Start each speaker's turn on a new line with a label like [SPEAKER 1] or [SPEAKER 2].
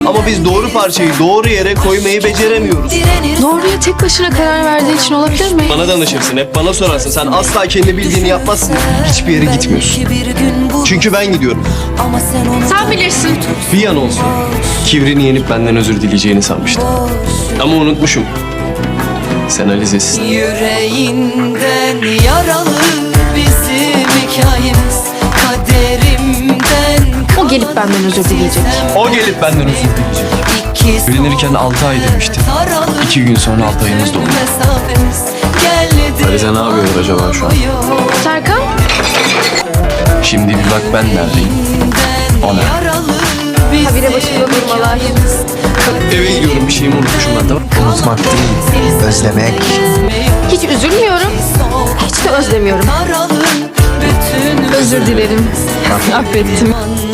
[SPEAKER 1] Ama biz doğru parçayı doğru yere koymayı beceremiyoruz.
[SPEAKER 2] Doğruya tek başına karar verdiği için olabilir mi?
[SPEAKER 1] Bana danışırsın, hep bana sorarsın. Sen asla kendi bildiğini yapmazsın. Hiçbir yere gitmiyorsun. Çünkü ben gidiyorum.
[SPEAKER 2] Sen bilirsin.
[SPEAKER 1] Bir an olsun kibrini yenip benden özür dileyeceğini sanmıştım. Ama unutmuşum. Sen Alize'sin.
[SPEAKER 3] Yüreğinden yaralı bizim hikayemiz, kaderimden.
[SPEAKER 2] O gelip benden özür dileyecek.
[SPEAKER 1] O gelip benden özür dileyecek. Evlenirken 6 ay demiştim. 2 gün sonra 6 ayımız doldu. Alize ne yapıyor acaba şu an?
[SPEAKER 2] Serkan?
[SPEAKER 1] Şimdi bir bak ben neredeyim. O ne?
[SPEAKER 2] Habire başında durmalar.
[SPEAKER 1] Eve gidiyorum, bir şeyimi unutmuşum ben, tamam.
[SPEAKER 4] Unutmak değil, özlemek.
[SPEAKER 2] Hiç üzülmüyorum. Hiç de özlemiyorum. Özür dilerim. Affettim.